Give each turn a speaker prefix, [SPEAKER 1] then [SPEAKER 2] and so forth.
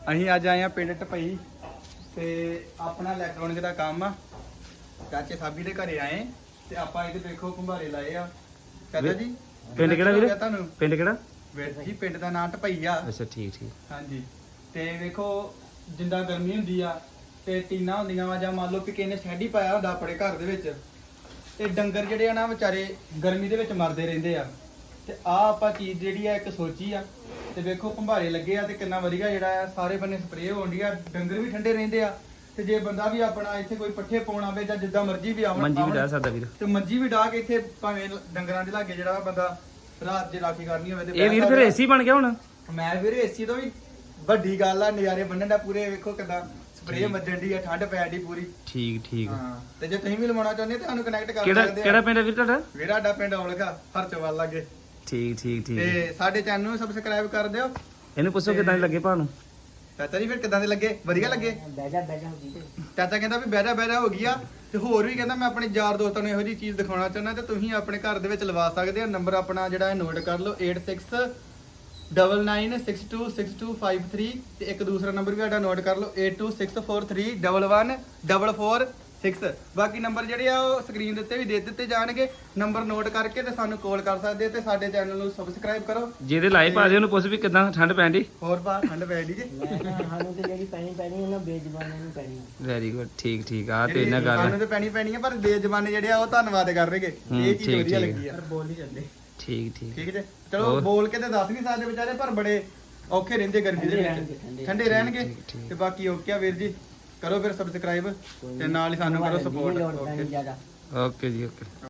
[SPEAKER 1] ਅਸੀਂ ਅੱਜ ਆਏ ਆ ਪਿੰਡ ਟਪਈ ਤੇ ਆਪਣਾ ਇਲੈਕਟ੍ਰੋਨਿਕ ਦਾ ਕੰਮ ਆ। ਚਾਚੇ ਸਾਬੀ ਦੇ ਘਰੇ ਆਏ ਤੇ ਆਪਾਂ ਇਹਦੇ ਦੇਖੋ ਭੰਬਾਰੇ ਲਾਏ ਆ। ਚਾਚਾ ਜੀ
[SPEAKER 2] ਪਿੰਡ ਕਿਹੜਾ ਵੀਰੇ?
[SPEAKER 1] ਤੁਹਾਨੂੰ
[SPEAKER 2] ਪਿੰਡ ਕਿਹੜਾ?
[SPEAKER 1] ਵੀਰ ਜੀ ਪਿੰਡ ਦਾ ਨਾਂ ਟਪਈ ਆ।
[SPEAKER 2] ਅੱਛਾ ਠੀਕ ਠੀਕ।
[SPEAKER 1] ਹਾਂਜੀ ਤੇ ਵੇਖੋ ਜਿੰਦਾ ਗਰਮੀ ਹੁੰਦੀ ਆ ਤੇ ਟੀਨਾ ਹੁੰਦੀਆਂ ਵਾ ਜਾਂ ਮੰਨ ਲਓ ਕਿ ਕਿਸੇ ਨੇ ਸ਼ੈਡ ਹੀ ਪਾਇਆ ਹੁੰਦਾ ਆਪਣੇ ਘਰ ਦੇ ਵਿੱਚ ਤੇ ਡੰਗਰ ਜਿਹੜੇ ਆ ਨਾ ਵਿਚਾਰੇ ਗਰਮੀ ਦੇ ਵਿੱਚ ਮਰਦੇ ਰਹਿੰਦੇ ਆ। ਤੇ ਆ ਆਪਾਂ ਚੀਜ਼ ਜਿਹੜੀ ਆ ਇੱਕ ਸੋਚੀ ਆ ਤੇ ਵੇਖੋ ਭੰਬਾਰੇ ਲੱਗੇ ਆ ਤੇ ਕਿੰਨਾ ਵਧੀਆ ਜਿਹੜਾ ਆ ਸਾਰੇ ਬੰਨੇ ਸਪਰੇਅ ਹੋਣੀ ਆ, ਡੰਗਰ ਵੀ ਠੰਡੇ ਰਹਿੰਦੇ ਆ ਤੇ ਜੇ ਬੰਦਾ ਵੀ ਆਪਣਾ ਇੱਥੇ ਕੋਈ ਪੱਠੇ ਪਾਉਣ ਆਵੇ ਜਾਂ ਜਿੱਦਾਂ ਮਰਜ਼ੀ ਵੀ ਆਵਣ
[SPEAKER 2] ਮੰਜੀ ਵੀ ਡਾਹ ਸਕਦਾ ਵੀਰ।
[SPEAKER 1] ਤੇ ਮੰਜੀ ਵੀ ਡਾਹ ਕੇ ਇੱਥੇ ਭਾਵੇਂ ਡੰਗਰਾਂ ਦੇ ਲਾਗੇ ਜਿਹੜਾ ਬੰਦਾ ਰਾਤ ਜੇ ਰਾਖੀ ਕਰਨੀ ਹੋਵੇ ਤੇ
[SPEAKER 2] ਇਹ ਵੀਰ ਫਿਰ ਏਸੀ ਬਣ ਗਿਆ ਹੁਣ।
[SPEAKER 1] ਮੈਂ ਵੀਰੇ ਏਸੀ ਤੋਂ ਵੀ ਵੱਡੀ ਗੱਲ ਆ, ਨਜ਼ਾਰੇ ਬੰਨਣ ਦਾ ਪੂਰੇ। ਵੇਖੋ ਕਿਦਾਂ ਸਪਰੇਅ ਵੱਜਣ ਦੀ ਆ, ਠੰਡ ਪੈਣ ਦੀ ਪੂਰੀ।
[SPEAKER 2] ਠੀਕ ਠੀਕ।
[SPEAKER 1] ਹਾਂ ਤੇ ਜੇ ਤੁਸੀਂ ਵੀ ਲਵਾਉਣਾ ਚਾਹੁੰਦੇ ਤਾਂ ਸਾਨੂੰ ਕਨੈਕਟ ਕਰ
[SPEAKER 2] ਕਿਹੜਾ
[SPEAKER 1] ਸਕਦੇ ਆ।
[SPEAKER 2] ਕਿਹੜਾ ਪਿੰਡ ਹੈ ਵੀਰ ਤੁਹਾਡਾ?
[SPEAKER 1] ਵੀਰਾ ਸਾਡਾ ਪਿੰਡ ਔਲਗਾ ਹਰਚੋਵਾਲ ਲਾਗੇ।
[SPEAKER 2] ਠੀਕ ਠੀਕ ਠੀਕ।
[SPEAKER 1] ਤੇ ਸਾਡੇ ਚੈਨਲ ਨੂੰ ਸਬਸਕ੍ਰਾਈਬ ਕਰ ਦਿਓ।
[SPEAKER 2] ਇਹਨੂੰ ਪੁੱਛੋ ਕਿਦਾਂ ਲੱਗੇ ਭਾ ਨੂੰ।
[SPEAKER 1] ਚਾਚਾ ਜੀ ਫਿਰ ਕਿਦਾਂ ਦੇ ਲੱਗੇ? ਵਧੀਆ ਲੱਗੇ?
[SPEAKER 3] ਬੈਜਾ ਹੋ ਗਈ ਤੇ
[SPEAKER 1] ਚਾਚਾ ਕਹਿੰਦਾ ਵੀ ਬਹਿਰਾ ਹੋ ਗਈ ਆ ਤੇ ਹੋਰ ਵੀ ਕਹਿੰਦਾ ਮੈਂ ਆਪਣੇ ਯਾਰ ਦੋਸਤਾਂ ਨੂੰ ਇਹੋ ਜਿਹੀ ਚੀਜ਼ ਦਿਖਾਉਣਾ ਚਾਹੁੰਦਾ ਤੇ ਤੁਸੀਂ ਆਪਣੇ ਘਰ ਦੇ ਵਿੱਚ ਲਵਾ ਸਕਦੇ ਹੋ। ਨੰਬਰ ਆਪਣਾ ਜਿਹੜਾ ਹੈ ਨੋਟ ਕਰ ਲਓ 8699626253 ਤੇ ਇੱਕ ਦੂਸਰਾ ਨੰਬਰ ਵੀ ਸਾਡਾ ਨੋਟ ਕਰ ਲਓ 8264311446। ਬਾਕੀ ਨੰਬਰ ਜਿਹੜੇ ਆ ਉਹ ਸਕਰੀਨ ਦੇ ਉੱਤੇ ਵੀ ਦੇ ਦਿੱਤੇ ਜਾਣਗੇ। ਨੰਬਰ ਨੋਟ ਕਰਕੇ ਤੇ ਸਾਨੂੰ ਕਾਲ ਕਰ ਸਕਦੇ ਤੇ ਸਾਡੇ ਚੈਨਲ ਨੂੰ ਸਬਸਕ੍ਰਾਈਬ ਕਰੋ।
[SPEAKER 2] ਜਿਹਦੇ ਲਾਈਵ ਪਾ ਦੇ ਉਹਨੂੰ ਪੁੱਛ ਵੀ ਕਿਦਾਂ ਠੰਡ ਪੈਂਦੀ।
[SPEAKER 1] ਹੋਰ ਬਾ ਠੰਡ ਪੈ ਦੀ ਜੀ।
[SPEAKER 3] ਮੈਂ ਨਾ ਸਾਨੂੰ ਤੇ ਜਿਹੜੀ ਪੈਣੀ ਉਹਨਾਂ ਬੇਜ਼ਬਾਨਾਂ ਨੂੰ ਪੈਣੀ ਆ।
[SPEAKER 2] ਵੈਰੀ ਗੁੱਡ ਠੀਕ ਠੀਕ। ਆ ਤੇ ਇਹਨਾਂ
[SPEAKER 1] ਸਾਨੂੰ
[SPEAKER 2] ਗੱਲ
[SPEAKER 1] ਤੇ ਪੈਣੀ ਆ ਪਰ ਬੇਜ਼ਬਾਨੇ ਜਿਹੜੇ ਆ ਉਹ ਧੰਨਵਾਦ ਕਰਨਗੇ। ਇਹ ਚੀਜ਼
[SPEAKER 2] ਠੀਕ,
[SPEAKER 1] ਵਧੀਆ
[SPEAKER 2] ਠੀਕ।
[SPEAKER 1] ਲੱਗੀ ਆ।
[SPEAKER 3] ਬੋਲ ਨਹੀਂ ਜਾਂਦੇ।
[SPEAKER 2] ਠੀਕ ਠੀਕ।
[SPEAKER 1] ਠੀਕ ਜੇ ਚਲੋ
[SPEAKER 2] ਹੋਰ?
[SPEAKER 1] ਬੋਲ ਕੇ ਤੇ ਦੱਸ ਨਹੀਂ ਸਕਦੇ ਵਿਚਾਰੇ ਪਰ ਬੜੇ ਔਖੇ ਰਹਿੰਦੇ ਗਰਮੀ ਦੇ ਵਿੱਚ। ਠੰਡੇ ਰਹਿਣਗੇ
[SPEAKER 2] ਠੀਕ, ਠੀਕ।
[SPEAKER 1] ਤੇ ਬਾਕੀ ਓਕੇ ਆ ਵੀਰ ਜੀ। ਕਰੋ ਫਿਰ ਸਬਸਕ੍ਰਾਈਬ ਤੇ ਨਾਲ ਹੀ ਸਾਨੂੰ ਕਰੋ ਸਪੋਰਟ।
[SPEAKER 3] ਲੋੜ ਪੈਣੀ ਜ਼ਿਆਦਾ।
[SPEAKER 2] ਓਕੇ ਜੀ ਓਕੇ।